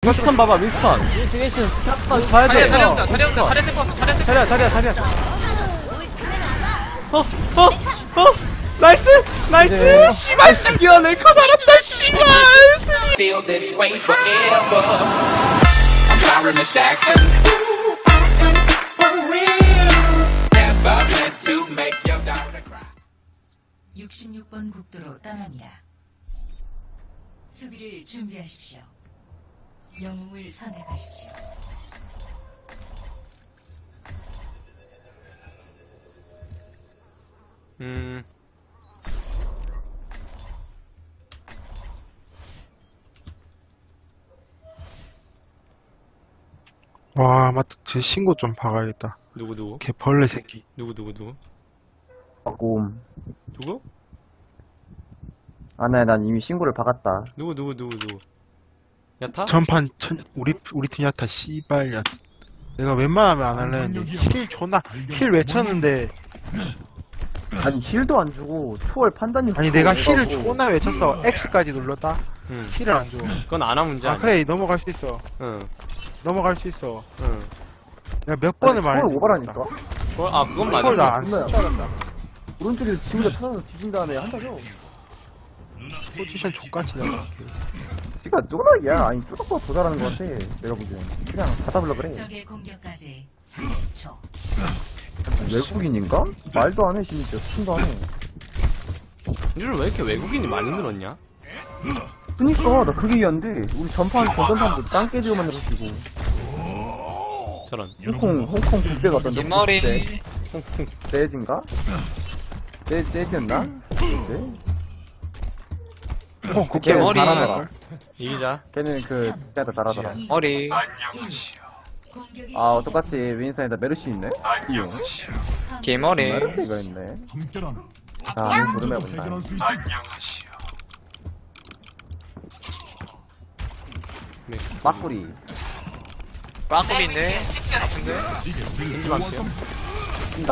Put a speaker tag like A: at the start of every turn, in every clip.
A: 윈스턴 봐봐 윈스턴. 윈스턴 봐야 돼. 자리야. 나이스 씨발 드디어 랭커 달았다 씨발.
B: Feel this way forever. I'm Byron Jackson. For real. Never meant to make your daughter cry.
C: 66번 국도로 떠납니다. 수비를 준비하십시오. 영웅을 선택하십시오.
D: 와, 맞다. 제 신고 좀 박아야겠다.
A: 누구?
D: 걔 벌레 새끼.
A: 누구?
E: 꼼.
A: 누구?
E: 아, 네, 난 이미 신고를 박았다.
A: 누구? 야타?
D: 전판 우리 팀 야타 씨발년. 내가 웬만하면 안 할래 했는데 힐 외쳤는데.
E: 아니, 힐도 안 주고, 초월 판단이.
D: 아니 내가 힐을 존나 외쳤어. X까지 눌렀다. 힐을 안 줘.
A: 그건 아나 문제 아니야.
D: 그래 넘어갈 수 있어. 넘어갈 수 있어. 내가 몇 번을
E: 초월
D: 말했는데.
E: 오버라니까.
A: 그건
D: 초월
A: 맞았어.
D: 나안
E: 존나
D: 쓰잖아.
E: 오른쪽에서 지우자 찾아서 뒤진 다음에 한다죠.
D: 포지션 족같이 나가.
E: 지가 쪼락이야. 아니, 쪼락보다 더 잘하는 것 같아. 내가 보기엔. 그냥 다 잡으려 그래.
C: 적의 공격까지 30초.
E: 외국인인가? 말도 안 해, 심지어. 팀도 안 해.
A: 니들 왜 이렇게 외국인이 많이 늘었냐?
E: 그니까, 나 그게 이해한데. 우리 전판 사람들 짱 깨지고 만들어주고.
A: 저런.
E: 홍콩 국대 갔던데.
F: 뒷머리.
E: 재즈인가? 재즈였나? 재즈?
D: 국대
E: 걔는
F: 머리.
E: 잘하더라.
A: 이기자.
E: 걔는 국대도 잘하더라.
F: 머리.
E: 아, 똑같이 윈선에다 메르시 있네?
F: 개머리.
E: 메르시가 있네. 자, 조름 해본다. 막구리.
F: 빠꾸리인데. 아픈데.
A: 겐지 많게요.
E: 뛴다.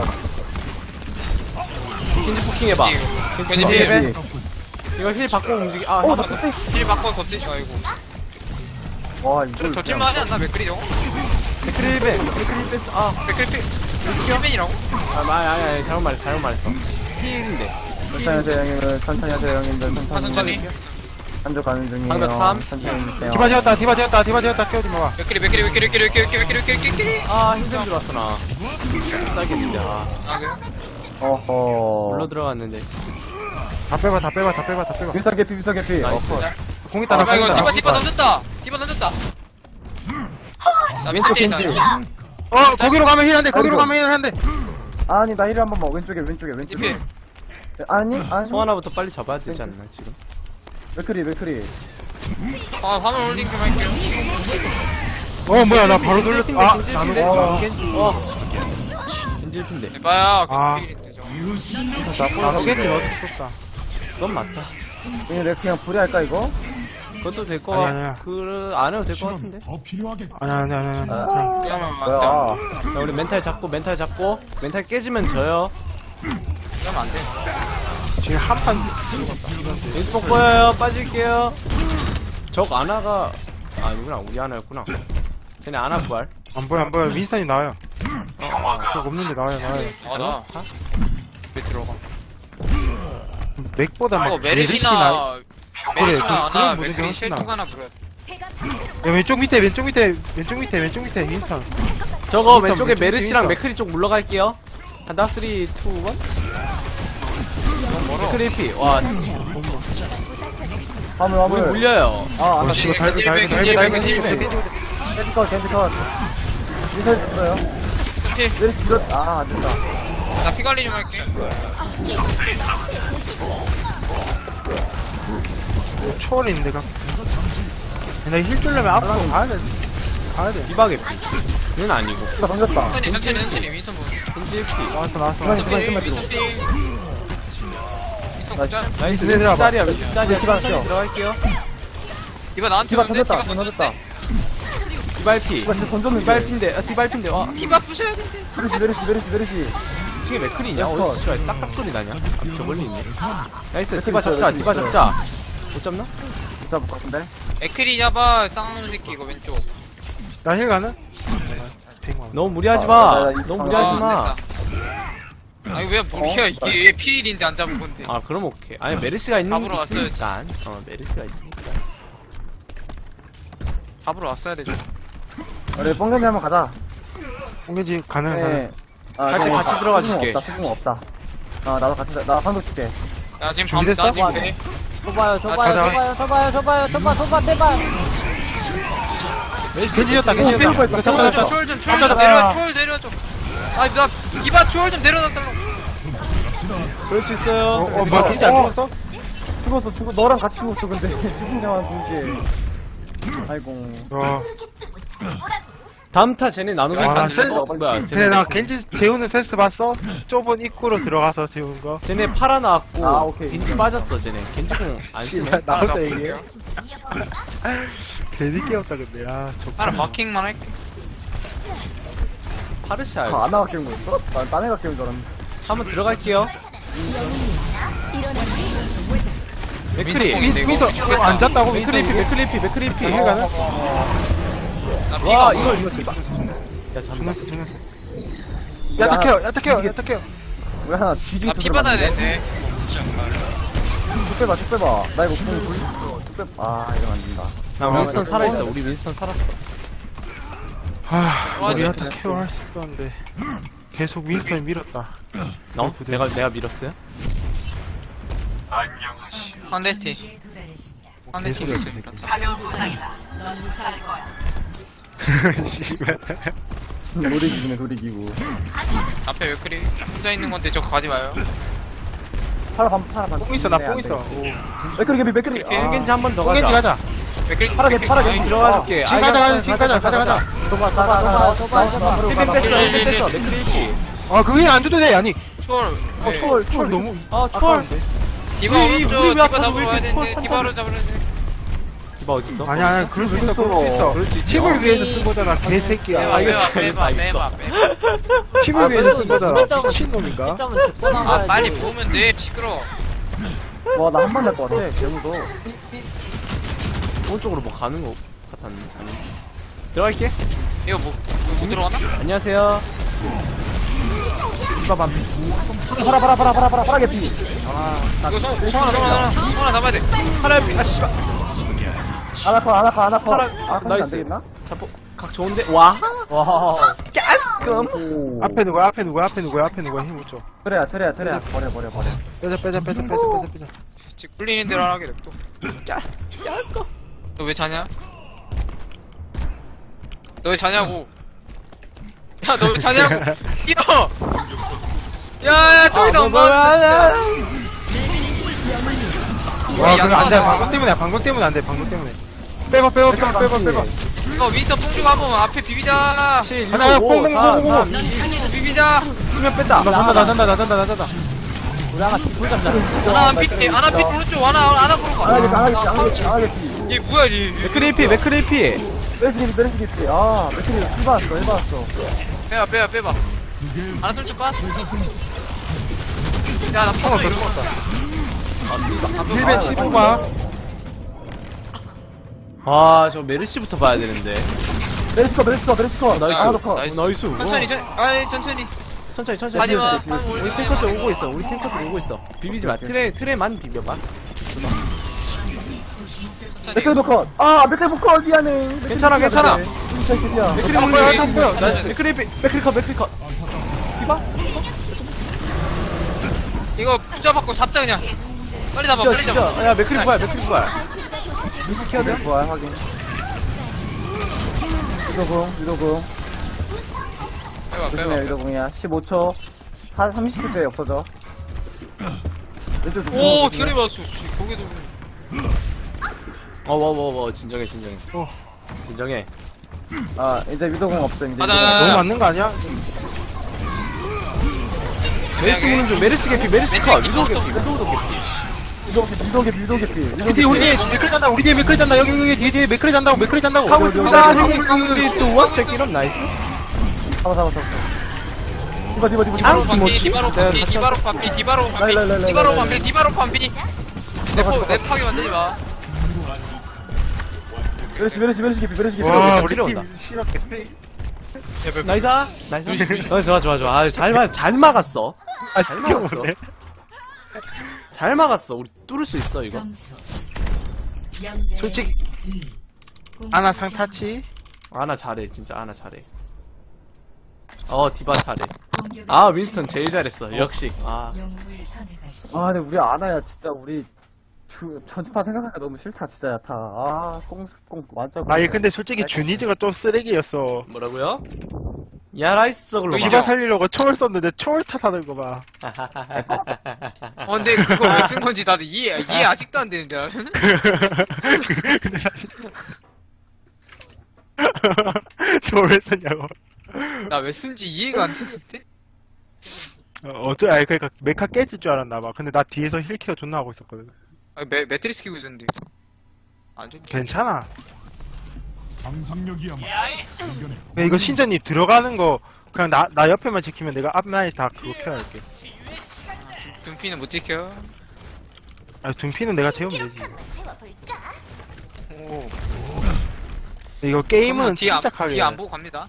A: 겐지 포킹 해봐.
F: 겐지 필.
A: 이거 힐 받고 움직이.
F: 힐 바꿔 덧지. 아이고.
E: 와, 이걸.
F: 덧질만 하지 않나 맥크리 저거?
A: 맥크리 1벤.
F: 맥크리 필. 힐벤이라고?
A: 아니 잘못 말했어. 힐인데.
E: 천천히 하세요, 형님들.
F: 천천히.
E: 한조 가는 중이에요.
A: 방벽 3.
E: 천천히 해주세요.
D: 디바 지었다. 깨우지 마봐.
F: 맥크리.
A: 힘든 줄 알았어 나. 싸겠는데.
F: 아 그래?
E: 어허.
A: 물러 들어갔는데.
D: 다 빼봐.
E: 비싸 개피.
A: 나이스.
D: 공 있다.
F: 아 이거 디바 던졌다. 나
E: 왼쪽
F: 윈스턴이다.
E: 겐지.
D: 거기로 가면 힐 한 대.
E: 아니, 나 힐을 한 번만. 왼쪽에.
F: 디필.
E: 아니.
A: 송 하나부터 빨리 잡아야 되지 않나 지금?
E: 맥크리.
F: 아 화면 올링 좀 할게요.
D: 뭐야 나 바로 돌렸어.
A: 겐지 힐인데.
F: 에바야.
D: 아.
F: 필인데 저거.
D: 나쁘겠지 너도 죽었다.
A: 그건 맞다.
E: 내가 그냥 불이할까, 이거?
A: 그것도 될 거.
D: 아니야.
A: 안 해도 될 거 같은데.
D: 아니야.
F: 그러면
E: 뭐야.
F: 안 돼.
A: 자, 우리 멘탈 잡고 멘탈 깨지면 져요.
F: 그러면 안 돼.
D: 지금 한판
A: 윈스폭 보여요. 빠질게요. 적 아나가 아니구나. 우리 아나였구나. 쟤네 아나 부활.
D: 안 보여. 윈스턴이 나와요. 적 없는데 나와요.
F: 나. 왜 들어가?
D: 맥보다
F: 이거
D: 막
F: 메르시나 아나
D: 그런
F: 맥크리
D: 무대가
F: 쉘
D: 훨씬
F: 투 하나 불어야 돼.
D: 야, 왼쪽 밑에 윈스턴.
A: 저거
D: 일단
A: 왼쪽에
D: 왼쪽
A: 메르시랑
D: 윈스턴.
A: 맥크리 쪽 물러갈게요. 한다 3, 2, 1. 맥크리 1피. 와, 우리
E: 화물.
A: 물려요.
E: 아, 안
D: 씨발 달고
E: 캔디 컷. 미사일 됐어요. 메르시 안 된다.
F: 나 피 관리 좀 할게.
D: 초월인데 가. 나힐 주려면 앞으로 가야 돼.
A: 디바게 피. 얘는 아니고.
E: 나 던졌다.
F: 천천히 윈스턴 보여.
A: 겐지 1피.
D: 나왔어.
E: 그만 뒤로.
F: 윈스턴 짤.
A: 나이스.
D: 내려와봐.
A: 짤이야.
E: 디바
A: 천천히
E: 껴.
A: 들어갈게요.
F: 디바 나한테
E: 디바
F: 오는데?
E: 던졌다.
A: 디바 1피.
E: 디바 진짜 던졌는데.
A: 디바 1피인데. 와,
F: 디바 부셔야 돼.
E: 메르시.
A: 2층에 맥크리 있냐?
E: 컷.
A: 어디서 씨발 딱딱 소리 나냐? 저 멀리 있네. 나이스.
E: 맥크리
A: 디바
E: 있어요,
A: 잡자.
E: 맥크리 있어요.
A: 못 잡나?
E: 잡을 것 같은데?
F: 에크리 잡아 쌍놈 새끼 이거 왼쪽.
D: 나 힐 가는?
G: 너무 무리하지 마.
E: 나
G: 너무 무리하지 마.
F: 아니 왜 무리야 이게 피일인데 안 잡은 건데.
G: 아 그럼 오케이. 아니 메르시가 있는
F: 잡으러 왔어야지.
G: 있으니까. 메르시가 있으니까.
F: 잡으러 왔어야 되죠.
E: 우리 뽕겐지 한번 가자.
D: 홍계지 가능
E: 네.
D: 가능.
G: 갈때 같이 들어가 줄게.
E: 수긍 없다. 나도 같이, 나 방도 줄게.
F: 야 지금
D: 준비됐어?
F: 나 지금 돼.
A: 줘봐요,
D: 가자.
A: 줘봐요, 제발.
D: 겐지였다 겐지였다. 이거 잡다.
F: 초월 좀 내려 초월 내려줘. 아나 디바 초월 좀 내려놨달라고.
G: 그럴 수 있어요.
D: 뭐 겐지 안 죽었어?
E: 죽었어. 너랑 같이 죽었어, 근데. 죽은 자만 죽지. 아이고.
G: 다음 타 쟤네 나누면
D: 나
G: 안 돼.
D: 센스.
G: 뭐야?
D: 근데 나 겐지 재우는 센스 봤어? 좁은 입구로 들어가서 재우는 거.
G: 쟤네 팔아 나왔고
E: 아, 오케이.
G: 겐지 빠졌어 쟤네. 겐지공 안 쓰네.
D: 씨발, 나 혼자
F: 나
D: 얘기해. 괜히 깨웠다 근데.
F: 하나 마킹만 할게.
G: 파르시아.
E: 아나가 깨운 거였어? 난 딴애가 깨운 줄 알았는데.
G: 한번 들어갈게요. 맥크리.
F: 민서공인데, 이거.
D: 미스터 안 잤다고?
G: 맥크리피.
D: 힐 가능?
F: 나
G: 와
F: 피가
G: 이걸
F: 없어.
G: 이거 야 잠깐.
D: 정했어. 야탁해요.
E: 우리 하나 뒤지게
F: 나피 받아야 되는데.
E: 쭉 빼봐. 나 이거 그냥 쭉 빼봐. 이러면 안 된다.
G: 나 윈스턴 살아있어. 우리 윈스턴 살았어.
D: 우리 야탁 케어 할 수 있었는데 계속 윈스턴이 밀었다.
G: 내가 밀었어요?
F: 상대티.
C: 이제 도달했습니다.
F: 상대팀이 있으니까.
D: 씨발.
E: 놀이기구네.
F: 앞에 웨크리 혼자 있는 건데 저 가지 마요.
E: 파라 반.
D: 뽕 있어, 나 뽕 있어.
E: 맥크리.
F: 이렇게
G: 겐지 한 번 더
D: 뽕겐지
G: 가자.
D: 가자.
F: 웨크리
E: 파라
F: 웨크리
G: 들어가줄게.
D: 지금 가자.
G: 힐 뺐어. 맥크리.
D: 그게 안 줘도 돼. 아니,
F: 초월.
D: 초월 너무.
G: 초월.
F: 디바
G: 우리
F: 오른쪽
G: 왜
F: 디바
G: 아파서
F: 잡으러
G: 왜
F: 와야
G: 이렇게
F: 되는데
G: 초월
F: 디바로 잡으려 돼.
G: 디바 어딨어?
D: 아니야, 그럴 수 있어. 팀을 위해서 쓴 거잖아, 개새끼야.
F: 빼봐.
D: 팀을 위해서 쓴 거잖아. 미친놈인가?
F: 아 빨리 보면 돼. 시끄러.
E: 와, 나 한 번 날 것 같아. 개무도.
G: 오른쪽으로 뭐 가는 거 같았는데. 들어갈게.
F: 이거 못 들어가나?
G: 안녕하세요.
E: 파라 개피.
F: 이거 성하나 잡아야 돼.
G: 사람이 씨발.
E: 아나카.
G: 파라.
E: 안
G: 나이스.
E: 되겠나?
G: 자포 각 좋은데. 와. 깔끔.
E: 오.
D: 앞에 누구야? 힘못 줘.
E: 트레야. 버려.
D: 빼자.
F: 직 굴리는 대로 하게 냅둬.
G: 깔끔.
F: 너 왜 자냐? 너 왜 자냐고? 야, 너 왜 자냐고? 이거! 야, 저기다 엄마!
D: 와, 그거 안 돼. 방금 때문에 안 돼. 빼봐.
F: 이거 윈서 뽕주고 한 번만 앞에 비비자!
G: 7, 6,
D: 하나,
G: 5,
D: 뽕,
G: 4,
D: 뽕, 뽕,
G: 3, 2,
F: 비비자!
G: 수면 뺐다.
D: 나 잔다.
F: 아나 안 피, 아나 피 오른쪽, 아나 보러 가.
E: 아나 개피.
F: 얘 뭐야, 얘.
G: 맥크리피.
E: 메르시 개피. 맥크리 힐 받았어.
F: 빼봐. 아나 솔직히 빠졌어. 야, 나 파워 이거.
D: 115만.
G: 아, 저 메르시부터 봐야 되는데.
E: 메르시 컷.
G: 나이스.
E: 아나도 컷.
G: 나이스.
F: 천천히.
G: 천천히.
F: 하지마.
G: 우리 탱커들 오고 있어. 비비지 마. 트레만 비벼봐.
E: 맥크리 컷. 맥크리 컷. 미안해.
G: 괜찮아.
E: 맥크리
G: 맥크리 컷. 디바?
F: 이거 붙잡았고 잡자 그냥. 빨리 잡아.
G: 진짜. 야, 맥크리 부활. 미스 키워드?
E: 좋아, 확인. 유도공.
F: 빼봐.
E: 유도공이야. 15초. 30초에 없어져.
F: 오, 기다려 봤어. 고개도.
G: 진정해. 진정해.
E: 이제 유도공 없어. 이제.
D: 너무 맞는 거 아니야?
G: 메르시 무는 중. 메르시 개피. 메르시 컷. 위도우 개피.
E: 유도 개피.
D: 우리 뒤에 맥클 잔다. 여기 뒤에 맥클 잔다고.
G: 하고 있습니다.
D: 여기.
G: 3, 2, 1. 체크 이런 나이스.
E: 잡아. 디바.
F: 디바로 반피. 내 파괴 만들지 마.
E: 메르시 개피.
D: 와 우리
G: 들어온다.
D: 팀 씨발 개피.
G: 나이스. 좋아. 잘 막았어.
D: 아
G: 잘
D: 이거
G: 막았어.
D: 뭐네?
G: 잘 막았어. 우리 뚫을 수 있어 이거.
C: 점수
D: 솔직히 아나 상타치.
G: 아나 잘해 진짜 아나 잘해. 디바 잘해. 아 윈스턴 제일 잘했어. 역시.
C: 영웅을 선택하십시오.
E: 아, 근데 우리 아나야, 진짜, 우리, 전지판 생각하니까 너무 싫다, 진짜, 야타. 꽁 완전.
D: 아니 근데 솔직히 주니즈가 또 쓰레기였어.
G: 뭐라고요? 야라이스 글로
D: 디바 살리려고 총을 썼는데 총을 탓하는 거 봐.
F: 근데 그거 왜 쓴 건지 나도 이해 아직도 안 되는데 나는.
D: 근데 사실 저걸 왜 썼냐고.
F: 나 왜 쓴지 이해가 안 되는데?
D: 아니 그러니까 메카 깨질 줄 알았나 봐. 근데 나 뒤에서 힐케어 존나 하고 있었거든.
F: 매트리스 키고 있었는데. 안 좋네.
D: 괜찮아. 근데 이거 신전님 들어가는 거 그냥 나 옆에만 지키면 내가 앞라인 다 그거 켜할게.
F: 둠피는 못 지켜.
D: 아 둔피는 내가 채우면 되지.
F: 오.
D: 근데 이거 게임은
F: 뒤에
D: 침착하게
F: 안 보고 갑니다.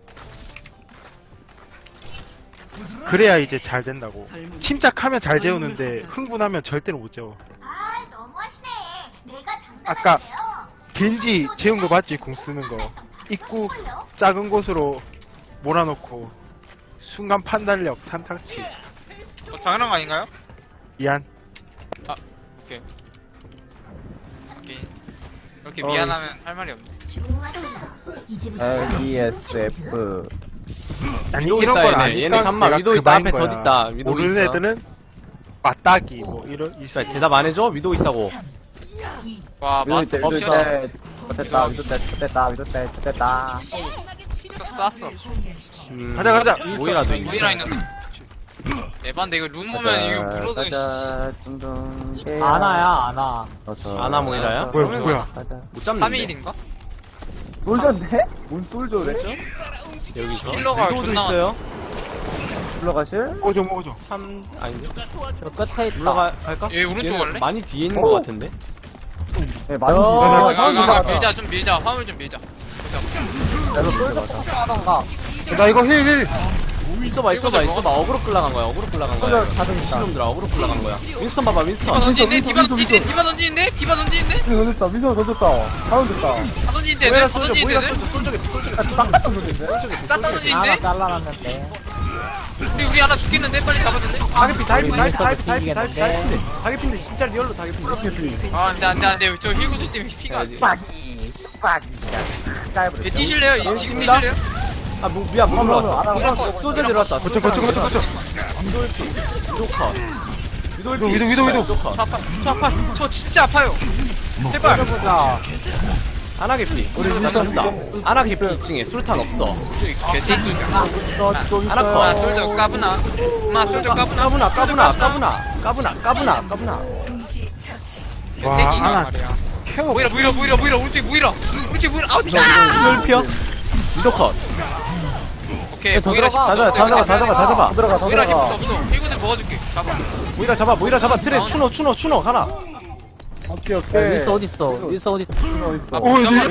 D: 그래야 이제 잘 된다고. 침착하면 잘 재우는데 흥분하면 절대로 못 재워.
H: 너무하시네. 내가
D: 아까
H: 장난하는데요.
D: 겐지 재운 거 봤지? 궁 쓰는 거. 입구 작은 곳으로 몰아놓고 순간 판단력 산타치.
F: 당연한 거 아닌가요?
D: 미안.
F: 오케이. 이렇게 미안하면 할 말이 없네.
E: LESF.
D: 아니
G: 위도
D: 이런
G: 있다,
D: 걸
G: 얘네.
D: 아니까
G: 얘네 잠만,
D: 내가
G: 위도
D: 그
G: 있다,
D: 말인
G: 앞에 더
D: 거야.
G: 있다. 위도
D: 모르는
G: 있어.
D: 애들은 맞다기 뭐 이런 있어.
G: 대답 안 해줘? 위도 있다고.
F: 와 마스터
E: 위도
F: 없이다.
E: 됐다.
F: 쐈어.
D: 가자.
G: 모이라도
F: 모이라 있는데. 에반데 이거 룸 오면 이거 물어도 씨.
E: 아나야.
G: 아나 모이라야?
D: 뭐야?
G: 못 잡는데.
F: 3일인가?
E: 솔저인데? 뭔 솔저래?
G: 여기서.
F: 킬러가
G: 위도도
F: 존나
G: 있어요.
E: 불러가실?
D: 먹어줘.
G: 3 아닌데?
E: 저 끝에
G: 갈까?
F: 얘 오른쪽
G: 얘는
F: 갈래?
G: 많이 뒤에 있는 것 같은데.
E: 네, 많이
F: 밀자 좀 밀자 화물 좀 밀자.
D: 나 이거 힐.
G: 있어봐. 어그로 끌라간 거야.
E: 솔저 자동 있다.
G: 미친놈들아 어그로 끌라간 거야. 윈스턴 봐봐.
F: 디바
G: 윈스턴.
F: 던지는데 디바 던지는데 디바 던지는데
E: 던졌다. 미소 던졌다. 다운 됐다.
F: 다 던지는데
G: 모이라
F: 다
G: 쏠져.
F: 던지는데
E: 싹다 던졌는데?
F: 다 던지는데
E: 잘라놨는데.
F: 우리 하나 죽겠는데 빨리 잡았는데.
G: 다개핀데 진짜 리얼로 다개핀데.
F: 안돼 저 힐구들 때문에 피가 안 돼. 얘 뛰실래요? 지금
G: 뛴다?
F: 뛰실래요?
G: 미안 못 올라왔어. 소저 들어왔다.
D: 거쳐. 위도.
F: 저 아파 저 진짜 아파요. 제발.
G: 아나 개피. 우리 윈스턴다. 아나 개피 2층에 술탄 없어.
F: 개새끼가.
G: 아나 컷.
F: 솔저 까부나. 엄마 솔저 까부나.
G: 까부나.
C: 동시 처치.
D: 와,
F: 개새끼가
D: 하나.
F: 말이야.
D: 케어.
F: 모이라 오른쪽 모이라 어디가?
G: 이dol피어. 위도 컷.
F: 오케이 모이라
G: 다 잡아.
F: 모이라 힘도 없어. 힐구들 먹어줄게. 잡아.
G: 모이라 잡아. 트레 추노 가라.
E: 오케이.
I: 윈스 어딨어? 윈스 어디?
F: 아,
D: 오,
F: 잠깐만.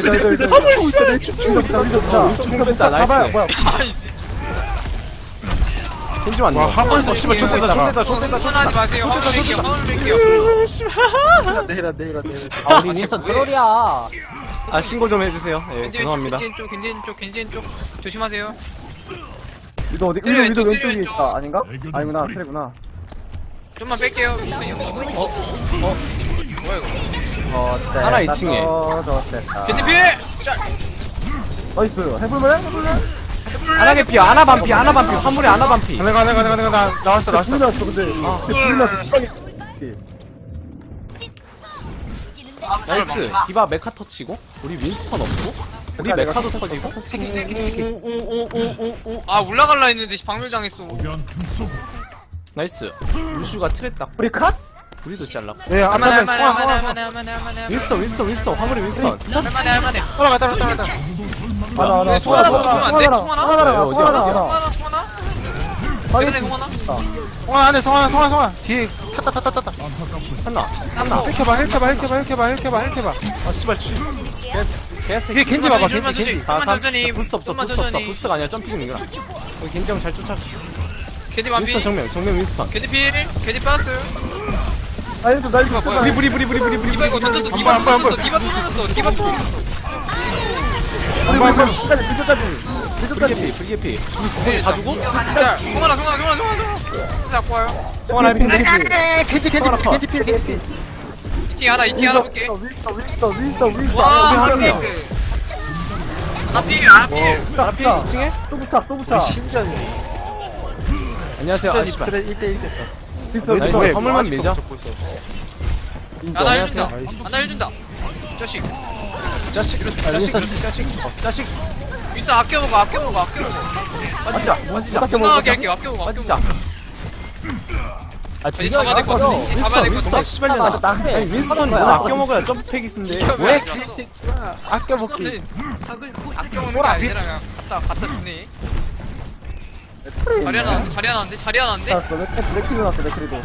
G: 공격했다. 나이스. 겐지 왔네.
D: 와, 한 번에
G: 씨발 촌대다.
F: 하지 마세요. 화물 뺄게요.
D: 내일아.
I: 아 우리 윈스 트롤이야.
G: 아 신고 좀 해주세요. 예, 죄송합니다.
F: 겐지인 쪽 조심하세요.
E: 위도 어디?
F: 트레
E: 위도
F: 왼쪽,
E: 왼쪽에
F: 트레
E: 있다. 아닌가? 아니구나. 트레구나.
F: 좀만 뺄게요. 민수 형. 뭐야 이거?
G: 하나 2층에.
F: 겐지 피해.
E: 나이스. 해볼래?
G: 아나 개피. 아나 반피. 화물에 아나 반피.
D: 가네. 나왔어.
E: 불 났어, 근데. 불 났어.
G: 나이스. 디바 메카 터치고 우리 윈스턴 없고 우리 메카도 터지고.
F: 오오오오오오. 아 올라갈라 했는데 박멸 당했어.
G: 나이스. 루슈가 트랩 딱.
E: 우리 컷?
G: 우리도 잘랐고.
D: 네,
F: 할만해.
G: 윈스턴. 화물에 윈스턴.
F: 할만해.
D: 따라가.
E: 하나.
F: 소화나 보면 안 돼? 소화나?
E: 소화나.
F: 소화나?
D: 안에 성환. 뒤에
G: 하나.
D: 헬켜봐.
G: 아 씨발. 개새끼.
D: 위에 겐지 봐봐,
F: 좀만
D: 겐지,
F: 천천히,
D: 겐지.
F: 좀만 천천히,
G: 부스트 없어,
F: 좀만
G: 부스트 없어.
F: 천천히.
G: 부스트가 아니라 점핑 이거라. 여기 겐지 형 잘 쫓아.
F: 겐지 완비.
G: 윈스턴 정면 윈스턴.
F: 겐지 필. 겐지 빠스.
E: 나이스 나이스
F: 뭐야?
G: 브리.
F: 디바 이거 던졌어. 디바
D: 안 보여, 안 보여.
F: 던졌어. 디바 또 던졌어. 디바 또 던졌어.
E: 끝까지
G: 브리게피.
F: 다 주고? 자, 송하나. 잡고 와요.
G: 송하나 해피.
D: 겐지 필, 겐지 필.
F: 2층 하나 볼게.
E: 윈스터
F: 와,
G: 한 명.
F: 하필.
G: 하피 2층에?
E: 또 붙여
D: 신전이.
G: 안녕하세요.
D: 신전이
G: 씨발.
D: 1대1 됐다.
G: 나이스.
D: 왜,
G: 화물만
D: 아직도
G: 밀자.
D: 잡고 있어.
F: 하나 해준다.
G: 안녕하세요.
F: 하나 해준다. 자식.
G: 자식.
F: 윈스 아껴 먹어.
G: 맞자.
F: 건강하게 할게요. 아껴 먹어.
G: 맞자.
I: 아,
F: 이제 잡아야 될 것 같은데. 이제 잡아야 될 것
G: 윈스턴
F: 같은데.
G: 씨발년아.
I: 나한테.
G: 아니 윈스턴 뭐 아껴 먹어야 점프팩인데.
D: 왜 개새끼야. 아껴먹기.
F: 아껴 먹는 게 아니라 그냥 갖다 주네. 자리 하나 나는데?
E: 맥크리 나왔어 맥크리도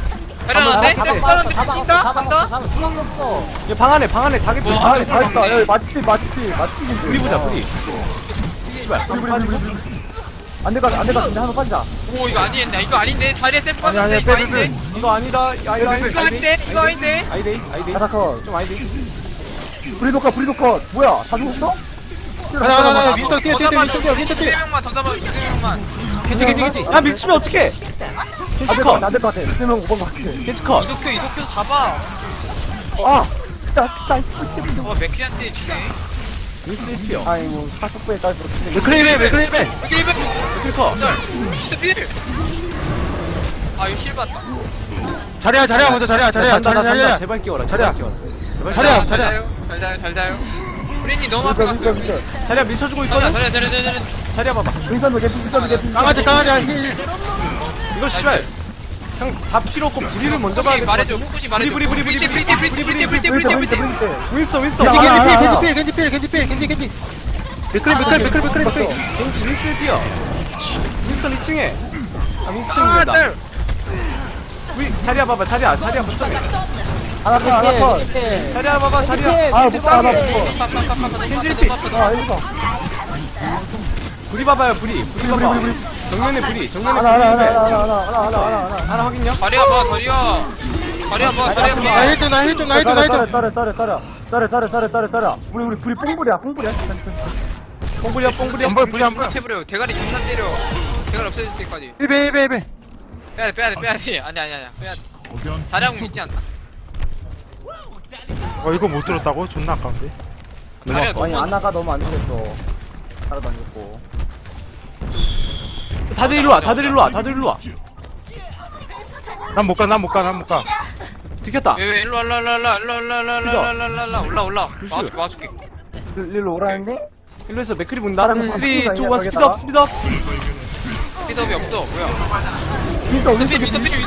F: 간다?
I: 수영이 없어.
G: 방 안에 타겟.
F: 와,
E: 아니 다 있다 야 맛집인데
G: 브리 보자 브리. 씨발.
E: 안될것 같은데 한번 빠지자
F: 오, 이거 아닌데? 자리에 셀
D: 아니, 아니,
F: 빠졌는데? 이거
D: 빼.
F: 아닌데?
G: 이거 아니다.
F: 이거 아닌데?
G: 아이데이.
E: 가자커
G: 좀 아이데이.
E: 브리도컷 뭐야 다 죽었어?
D: 가자. 윈스턴 뛰어. 윈스턴 뛰어.
F: 2명만 더 잡아, 2명만.
D: 겐지.
G: 야 밀치면 어떡해? 겐지컷.
E: 안될것 같아 3명 5번 것 같아
G: 겐지컷.
F: 이속표 잡아.
E: 아
F: 와, 맥키한테 주네.
G: 윈스 1피요.
E: 아이고 40분에까지 그렇게
D: 맥크리베.
G: 겐지컷.
F: 필. 아, 이거 힐 봤다.
D: 자리야 먼저 자리야.
G: 잔다. 제발 끼워라.
D: 자리야.
G: 자리야.
F: 잘 자요. 프린님 너무 앞에 갔어요.
G: 자리야 밀쳐주고 있거든.
F: 자리야.
G: 자리야 봐봐.
E: 윈선도 개피
D: 강아지 힐.
G: 이거 씨발. 형 다 필요 없고 부리를 먼저 봐야 돼.
F: 말해줘. 혹시 말해줘.
G: 브리.
F: 프리티.
G: 윈스.
D: 겐지 필. 맥크리.
G: 윈스 1피요. 윈스턴 2층에. 아
F: 아,
G: 윈스턴입니다.
F: 짤.
G: 자리야 봐봐. 자리야 거점에.
E: 하나컷
G: 자리야 봐봐. 자리야.
E: 아 못봐 나
G: 불이 봐봐요. 불이 봐봐. 정면에 불이. 하나 확인요.
F: 자리야 봐.
D: 나 힐 좀.
E: 짜래 우리 불이 뽕불이야
G: 뽕불이야.
D: 안 보여.
F: 해버려. 대가리 존나 때려. 대가리 없어질 때까지.
D: 1배.
F: 빼야돼. 아니야. 빼야돼. 자량은 있지 않나?
D: 이거 못 들었다고? 존나 아까운데.
F: 자리야
E: 아니
F: 너무
E: 아나가 너무 안 죽겠어 따라다녔고
G: 다들 일로 와.
D: 난 못 가.
G: 들켰다.
F: 왜 일로 올라. 와줄게.
E: 일로 오라는데?
G: 일로 해서 맥크리 본다.
E: 사람
G: 3, 2, 1
E: 바꾸자,
G: 스피드업.
F: 스피드업이 없어. 뭐야?
E: 윈서
F: 위서필.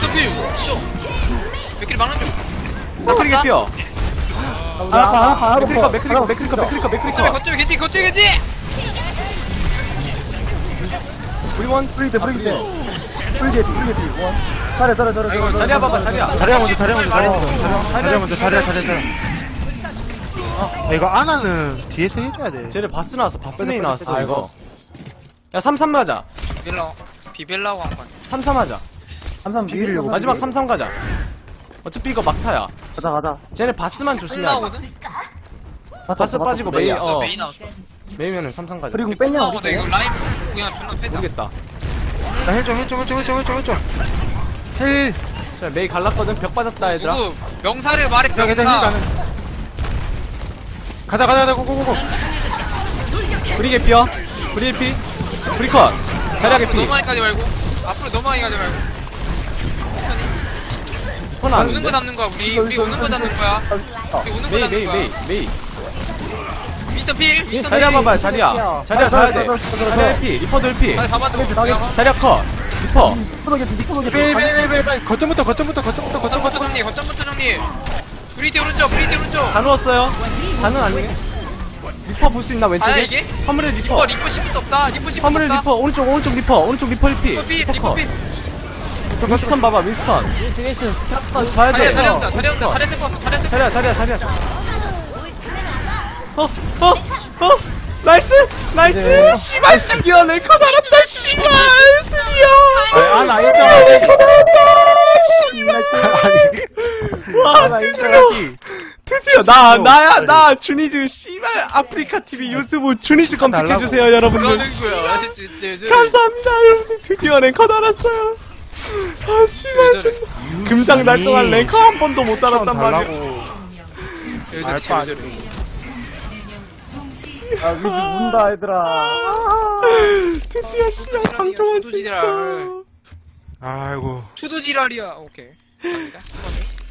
F: 몇 킬 막는 중.
G: 맥크리 개피어.
E: 하나
G: 맥크리커.
F: 거점에 겐지.
G: 우리원.
E: 프리게 잘해
G: 자리야 봐봐.
D: 자리야 먼저. 이거 아나는 뒤에서 해줘야 돼.
G: 쟤네 바스 나왔어. 바스 메인 나왔어.
E: 빼자.
G: 이거. 야 3-3 가자.
F: 비벨라고 한 거 아니야?
G: 3-3 하자.
E: 3-3 비비려고
G: 마지막 3-3 가자. 어차피 이거 막타야.
E: 가자
G: 쟤네 바스만 조심해야 돼.
F: 끝나거든?
G: 바스 빠지고 메인
F: 메인 나왔어.
G: 메인면은 3-3 가자.
E: 그리고 뺐냐
F: 끝나거든. 이거 라인 그냥 존나 패다.
G: 모르겠다.
D: 나 힐 좀. 힐.
G: 자 메이 갈랐거든. 벽 빠졌다 얘들아.
F: 누구 명사를 말해
D: 힐
F: 병사.
D: 가는. 가자. 고고고.
G: 브리 개피어. 브리 피. 브리컷. 자리야
F: 앞으로
G: 개피.
F: 너무 많이 가지 말고.
G: 폰 안.
F: 오는 거 잡는 거야. 우리 오는 거 잡는 거야. 우리 오는 거 잡는 거야.
G: 메이.
F: 미스터 필.
G: 자리야 봐봐. 자리야 가야 돼. 자리야 피. 리퍼도 1피.
F: 다 잡아도
G: 자리야 컷. 리퍼.
D: 빼. 거점부터.
F: 거점부터 정리. 브리디 오른쪽.
G: 다 누웠어요. 다는 아니네. 리퍼 볼 수 있나 왼쪽에?
F: 다야, 이게?
G: 화물에 리퍼.
F: 리퍼 10도 없다.
G: 화물에 리퍼. 오른쪽 리퍼 1피.
F: 리퍼 필.
G: 윈스턴 봐봐. 윈스턴 봐야 돼.
F: 자리 온다. 자리 셀 거.
G: 자리야.
A: 나이스 나이스 씨발 드디어 랭커 달았다 씨발 드디어
D: 아나 인정하지.
A: 와
D: 나
A: 드디어
D: 인정하지.
A: 드디어 나 주니즈 씨발 아프리카 TV 유튜브 주니즈 검색해주세요 여러분들
F: 그러는 거야 진짜
A: 감사합니다 여러분들 드디어 랭커 달았어요 아 씨발 존나 금장 날 동안 랭커 한 번도 못 달았단 말이야
D: 알바 아니야.
E: 아, 위즈 문다, 얘들아.
A: 드디어 씨발 방종할 수 있어
F: 투두지랄
D: 아이고.
F: 투두지랄이야 오케이 갑니다